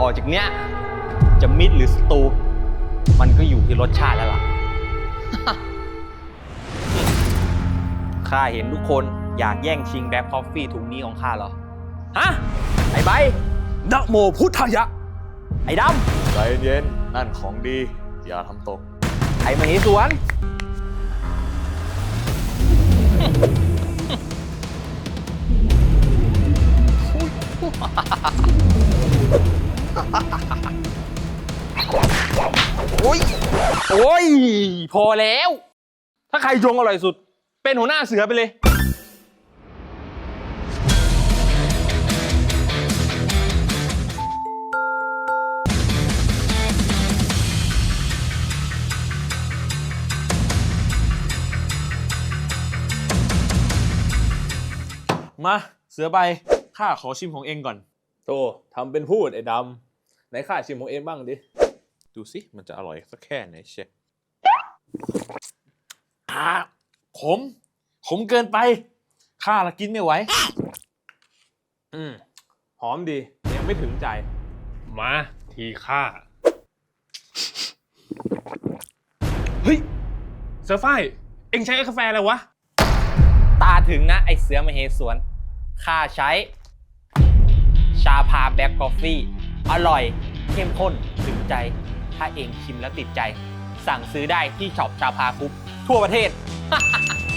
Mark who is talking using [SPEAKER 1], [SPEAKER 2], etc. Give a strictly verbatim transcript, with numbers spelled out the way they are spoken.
[SPEAKER 1] จากเนี้ยจะมิตรหรือศัตรูมันก็อยู่ที่รสชาติแล้วล่ะ ข้าเห็นทุกคนอยากแย่งชิงแบล็คคอฟฟี่ถุงนี้ของข้าเหรอ ฮะ ไอ้ใบ
[SPEAKER 2] นะโมพุทธายะ
[SPEAKER 1] ไอ้ด
[SPEAKER 2] ใจเย็นนั่นของดี อย่าทำตก
[SPEAKER 1] ำ ไอ้มเหสวน โอ้ย โอ้ย พอแล้ว ถ้าใครชงอร่อยสุด เป็นหัวหน้าเสือไปเลย
[SPEAKER 2] มาเสือใบข้าขอชิมของเองก่อนโตทำเป็นพูดไอ้ดำไหนข้าชิมของเองบ้างดิ ดูสิมันจะอร่อยสักแค่ไหนเชฟอ่าขม ขมเกินไปข้าละกินไม่ไหว อืมหอมดียังไม่ถึงใจ
[SPEAKER 3] มาทีข้าเฮ้ยเสือฝ้ายเอ็งใช้กาแฟอะไรวะ
[SPEAKER 1] ตาถึงนะ ไอเสือมเหสวน ข้าใช้ ชาพาแบล็คกาแฟอร่อย เข้มข้น ถึงใจ ถ้าเองชิมแล้วติดใจ สั่งซื้อได้ที่ช็อปชาพากรุ๊ปทั่วประเทศ